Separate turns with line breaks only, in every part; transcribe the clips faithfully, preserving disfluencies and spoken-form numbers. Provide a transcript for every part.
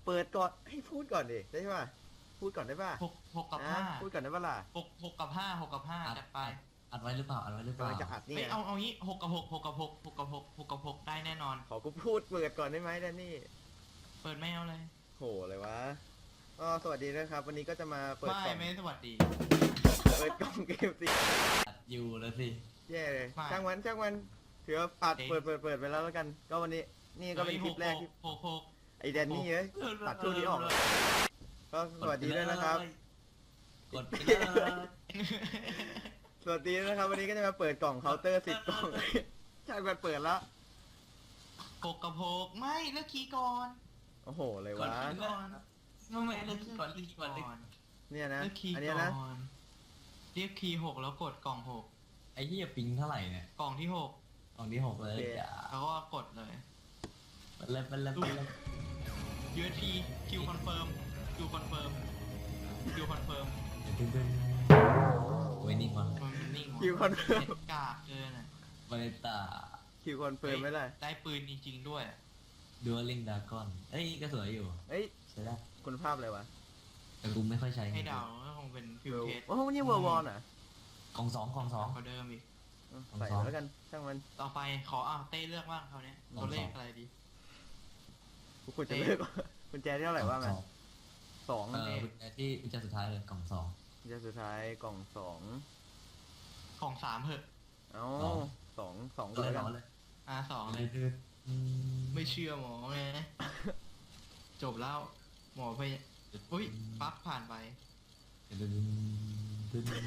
เปิดก่อนให้พูดก่อนดิได้ป่ะพูดก่อนได้ป่ะ
หกหกกับ
อ่ะ
ห้า
พูดก่อนได้ป่ะล่ะ
หกหกกับห้าหกกับห้าจัดไป
อัดไว้หรือเปล่าอัดไว้หรือเปล่าก
ำลังจะอัดนี่
ไม่
ไง
เอาเอางี้หกกับหกหกกับหกหกกับหกหกกับหกได้แน่นอน
ขอกูพูดเปิดก่อนได้ไหมแดนนี่
เปิดไม่เอาเลย
โหเลยวะก็สวัสดีนะครับ วันนี้ก็จะมาเปิด
ไม่
กล่อง
ไม่สวัสดี
เปิดกล่องเกมสิ
อัดอยู่แล้วสิ
แย่เลย
ไม่
ช่างมันช่างมันถือว่าปัด
เอ๊ะ
เปิดเปิดเปิดไปแล้วแล้วกัน ก็วันนี้นี่ก็เป็นคลิปแรกที่
หกหก
ไอแดนนี่เอ้ยตัดช่วงนี้ออกก็สวัสดีด้วยนะครับ
กดไปเลย
สวัสดีนะครับ วันนี้ก็จะมาเปิดกล่องเคาน์เตอร์สิบกล่อง ช่างมันเปิดแล้ว
หกกับหกไม่เลือกคีย์ก่อน
โอ้โหเลยวะ
ก่อน
ไม่ไม่เล่นก่อนเล่นก่อนเล่น
เนี่ยนะ
เลือกคีย์
อัน
ก่
เนี้ยนะ
อนเรียกคีย์หกแล้วกดกล่องหก
ไอ้เหี้ยปิงเท่าไหร่เนี่ย
กล่องที่หก
กล่องที่หกเลยอย่า
แล้วก็กดเลย
ไปเลยไปเลยไปเลย
ยู เอส พี คิวคอนเฟิร์มคิวคอนเฟิร์มคิวคอนเฟิร์ม
ดึงดึงโอ้ยนิ่งวะ
มันนิ่ง
คิวคอนเฟิร์ม
เน็ตกากเกินอ่ะ
บาเลตา
คิวคอนเฟิร์มไม่เลย
ได้ปืนจริงๆด้วย
ดูลิงดากอนเอ้ยก็สวยอยู่
เอ้ย
ใช่ได้
คุณภาพอะไรวะ
แต่กูไม่ค่อยใช้
ให้เดาก็คงเป็นฟิวเทส
โอ้โหนี่เวอร์วอนอ่ะ
กล่องสองกล่องสอง
เขาเดิมอีก
ใส่แล้วกันช่างมัน
ต่อไปขออ่ะเต้เลือกบ้างเขาวเนี้ยตัวเลขอะไรดี
กูควรจะเลือกกุญแจที่เท่าไหร่ว่ามันสอง
เออกุญแจที่กุญแจสุดท้ายเลยกล่องสอง
กุญแจสุดท้ายกล่องสอง
ของสามเหอะ
เอ้าสองสอง
ก็
ก็
เลย
แล้ว
เอา
กัน
เลย
อ่ะสอง
เล
เลย ย
ไม่
ไม่เชื่อหมอไงจบแล้วหมอไปอุ้ยปั๊บผ่านไป
ดึงดึง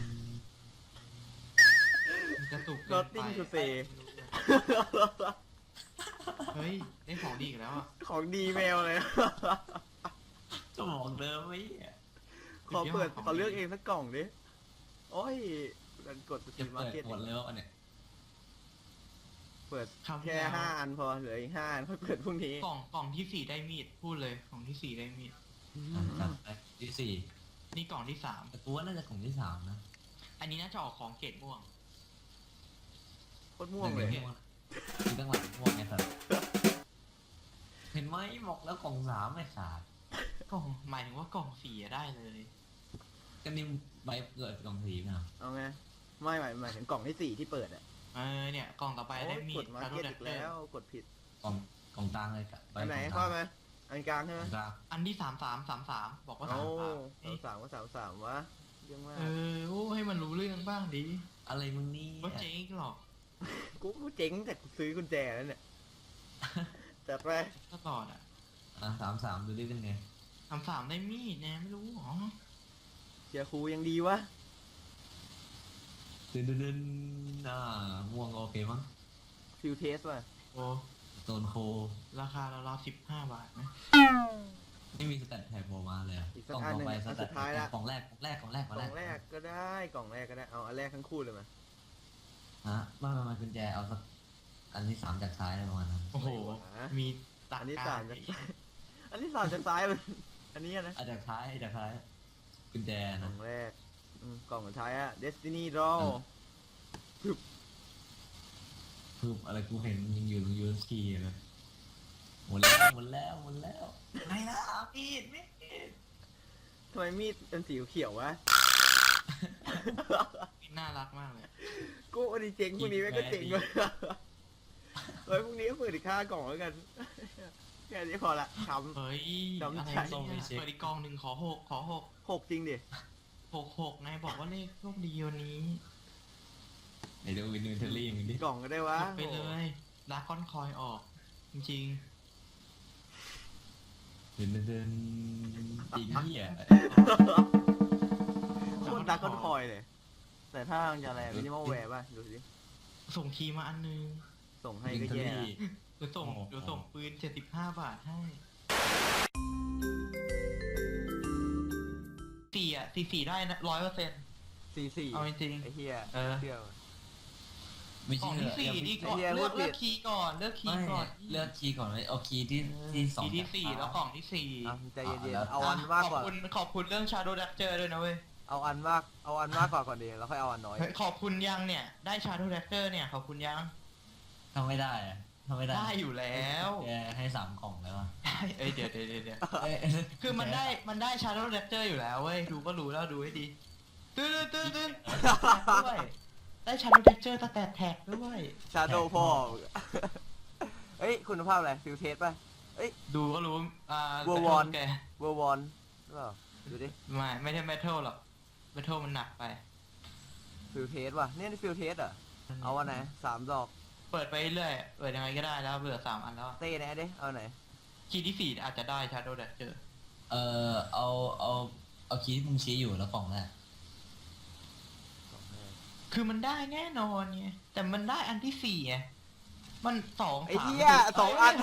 กระตุก
ร
เกิ
ถ
นไป
ติ้งทูเซ
เฮ้ยได้ของดีอีกแล้วอ่ะ
ของดีแมวเลย
ก็บอกเดิมไว้อะ
ขอเปิดขอเลือกเองสักกล่องดิโอ้ยกันกดสตรี
จะ
มมา
เปิด
ร์เก็ต
หมดแล้วอันเนี้ย
เปิด
คราวที่
แค่
แล้ว
ห้าอันพอเหลืออีกห้าอันค่อยเปิดพรุ่งนี้
กล่องกล่องที่สี่ได้มีดพูดเลยกล่องที่สี่ได้มีด
อ่ะจัดไปที่สี่
นี่กล่องที่สาม
แต่กูว่าน่าจะกล่องที่สามนะ
อันนี้น่าจะออกของเกรดม่วง
โคตรม่วงเลย
ม่วงคือตั้งหลังม่วงไงสัตว์เห็นไหมบอกแล้วกล่องสามไม่ขาด
กล่องหมายถึงว่ากล่องสี่อะได้เลย
ก็นี่ใบเกิดกล่องสีนะ
เอาไงไม่หมายหมายถึงกล่องที่สี่ที่เปิดอ่ะ
เออเนี่ยกล่องต่อไป
โอ้
ได้
ย
มี
ก
ด
ดมา
คาร์
เก็ต
ดั
อี
ก
ก
เตอ
แล้ว
ร์
กดผิด
กล่องกล่องกลางเลยกับใบ
อันไหน
กล่องก
เข้า
ลาง
มาอันกลางใช่ไหม
กล่องกลาง
อันที่สามสามสามสามบอกว่าสา
โอ้
มสาม
สามสามก็สามสามวะเยังมาก
เออโอ้ให้มันรู้เรื่องบ้างดิ
อะไรมึงนี่
ว่าเจ๊งหรอก
กูกูเจ๋งแต่กูซื้อกุญแจแล้วเนี่ยจัดไป
ตลอดอ่ะ
อ่ะสามสามดูดิเป็นไง
สามสามได้มีดนะไม่รู้หรอ
เชียร์ครูยังดีวะ
ดึนดึนดึนอ่าม่วงโอเคมั้ง
ฟิลเทสว่ะ
โอ้
โซนโค
ราคาเราเราสิบห้าบาทไหม
ไม่มีสแตทแท็บโผล่มาเลยอะ
อีกสั
ก
ก
ล่อง
อัน
ต่อ
หนึ่ง
ไป
อัน
สแต
สุ
ท
ดท้ายละ
กล่องแรกกล่องแรกกล่องแรก
กล่องแรกก็ได้กล่องแรกก็ได้เอาอันแรกทั้งคู่เลยมา
ฮะไมามากุญแจเอาสักอันที่สามจากซ้ายอะไรประมาณนั้น
โอ้โหมีตั
อันที่
กา
สาม
ร
จากอันที่สามจากซ้ายมันอันนี้นะ
อาจากท้ายจากท้ายกุญแจ
กล่
นะ
องแรกอืมกล่องสุดท้ายอะ Destiny Draw
คืออะไรกูเห็นยังอยู่ตรงยูเอสคีเลยหมดแล้วหมดแล้วหมดแล้วไม่ละมีดมีด
ทำไมมีดเป็นสีเขียววะ
น่ารักมากเลย
กูอันนี้เจ๋งพรุ่งนี้แม่งก็เจ๋งเลยเฮ้ยพรุ่งนี้ก็เปิดอีกค่ากล่องแล้วกันแค่นี้พอละช้
เฮ้ย
จำ
อะไร
ใจ
เนี่ยเปิดอีกกล่องหนึ่งขอหกขอหก
ำหกจริงดิ
หกหกนายบอกว่าเลขโชคดีวันนี้
ไอ้เดวินวินเทอรี่มึงดิ
กล่องก็ได้วะ
กดไปเลยลาคอนคอยออก จริง
เดินเดินจริงเหี้ย
โคตรดักก้อนคอยเลย แต่ถ้ามันจะอะไรมินิมอลแวร์ป่ะ ดูสิ
ๆ ส่งทีมาอันนึง
ส่งให้
วิน
ก็
เทอ
แย่
รี่
เดี๋ยวส่ง
โอ้โห
เดี๋ยวส่งปืนเจ็ดสิบห้าบาทให้สี่อ่ะสี่สี่ได้นะร้อยเปอร์เซ็นต์
สี่สี่
เอาจริง
ไอ้เฮีย
เออ
เชื่อ
ไม่
กล่
ใช่
องที่สี่ดีก่อน
ไอ้เหี้ย
เลือก
พูดผิด
เลือกคีย์ก่อนเลือกคี
ไม่
ย์ก่อน
เลือกคีย์ก่อนเลยเอาคีย์ที่ที่สอง
คีย์ที่สี่แล้วกล่องที่สี่
อ่ะใจเย็น
แล้ว
ๆเอาอันมาก
ขอบ
กว่า
คุณขอบคุณเรื่อง Shadow Dagger ด้วยนะเว้ย
เอาอันมาก เอาอันมากกว่าก่อนดีแล้วค่อยเอาอันน้อย
เฮ้ยขอบคุณยังเนี่ยได้ Shadow Dagger เนี่ยขอบคุณยัง
ทำไม่ได้อะทำไม่ได้
ได้อยู่แล้ว
แกให้สามกล่องแล้วอะ
ได้เอ้ยเดี๋ยวเดี๋ยวเดี๋ยวเดี๋ยว
เอ้ย
คือมันได้มันได้ชาร์โดว์แรปเจอร์อยู่แล้วเว้ยดูก็รู้แล้วดูให้ดีตื้อตื้อตื้อด้วยได้ชาร์โดว์แรปเจอร์ตั้งแต่แท็กด้วย
ชาโดว์พ่อเอ้ยคุณภาพอะไรฟิลเทสป่ะ
ดูก็รู้อ่า
วัววอน
แก
เวอร์วอนหรือเปล่าดูดิ
ไม่ไม่ใช่เมทัลหรอกเมทัลมันหนักไป
ฟิลเทสว่ะเนี่ยนี่ฟิลเทสอ่ะเอาอันไหนสามดอก
เปิดไปเรื่อยเปิดยังไงก็ได้แล้วเบื่อสามอันแล้ว
เต้แน่ดิเอาไหน
คีย์ที่สี่อาจจะได้ชาร์โดว์แรปเจอร์
เออเอาเอาเอาคีย์ที่มึงชี้อยู่แล้วกล่องแรก
คือมันได้แน่นอนไงแต่มันได้อันที่สี่ไงมันสอง
ไอ้
สาม
เหี้ยสองอัน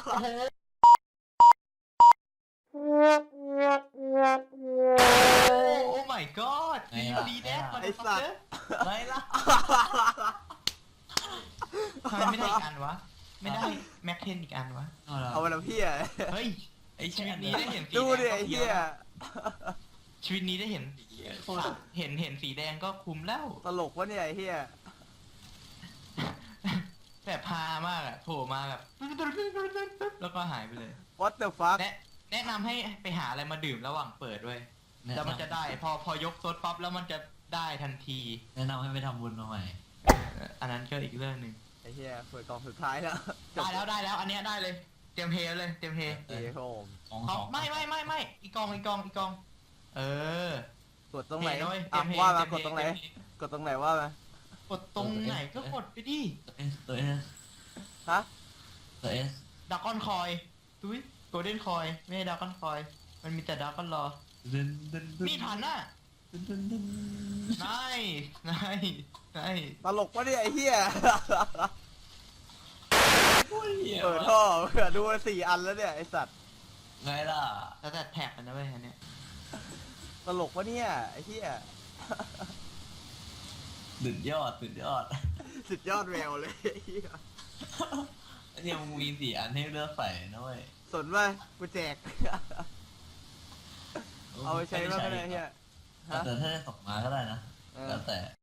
โอ้ my god ดีดีแน่มัน
ไอ้สัตว์
ไม่ละ
ทำไมไม่ได้อีกอันวะไม่ได้แม็กเทนอีกอันวะ
เอาละ
เอาไปแล้วพี่อ่ะ
เฮ้ย
ไอ้
ชี
แช่
วิตนี้ได้เห็นสี
ดู
แด
ดิ
ง
ไอ้เหี้ย
ชีวิตนี้ได้เห็นเห็นเห็นสีแดงก็คุ้มแล้ว
ตลกวะเนี่ยไอ้เหี้ย
แบบพามากอะโผล่มาแบบแล้วก็หายไปเลย
what the fuck
แนะแนะนำให้ไปหาอะไรมาดื่มระหว่างเปิดด้วยแล้วมันจะได้พอพอยกโซดปั๊บแล้วมันจะได้ทันที
แนะนำให้ไปทำบุญมาใหม่
เอ่ออันนั้นก็อีกเรื่องหนึ่ง
ไอ้เหี้ยเปิดกล่องสุดท้ายแล้ว
ได้แล้วได้แล้วอันเนี้ยได้เลยเตรียมเฮเลยเตรียมเฮ
เอ้ยโหม
ของ
เอา
สอง
ไม่ไม่ไม่ไม่อีกกองอีกกองอีกกอง เออก
ดตรงไหน
เฮเลยเต
อ่ะ
รียมเฮ
ว่ามา
เต
ก
รี
ด
ยมเฮ
ตรงไหน
เตรียมเฮ
กดตรงไหนว่ามา
กดตรงไหนก็กดไปดิ
ตัวเอสตัวเอส
ฮะ
ตัวเอส
ดากอนคอยตุ้ยโกลเด้นคอยไม่ใช่ดากอนคอยมันมีแต่ดากอนรอ
ดึนดึนดึน
มีทันน่ะ
ดึนดึนดึน
นายนายนาย
ตลกวะเนี่ยไอ้เหี้ย
โอ้ยเหี้ย
เปิดท่อเผื่อดูมาสี่อันแล้วเนี่ยไอ้สัตว์
ไงล่ะ
แล้วแต่แท็กกันนะเว้ยอันเนี้ย
ตลกวะเนี่ยไอ้เหี้ย
สุดยอดสุดยอด
สุดยอดแววเลยไอ้เหี้ย
เนี่ยมึงมีสี่อันให้เลือกใส่นะเว้ย
สนว่ากูแจก เอาไปใช้บ้างก็ได้เหี้ย ฮะ
แต่ถ้าได้สองมาก็ได้นะ
เออ
แล้วแต่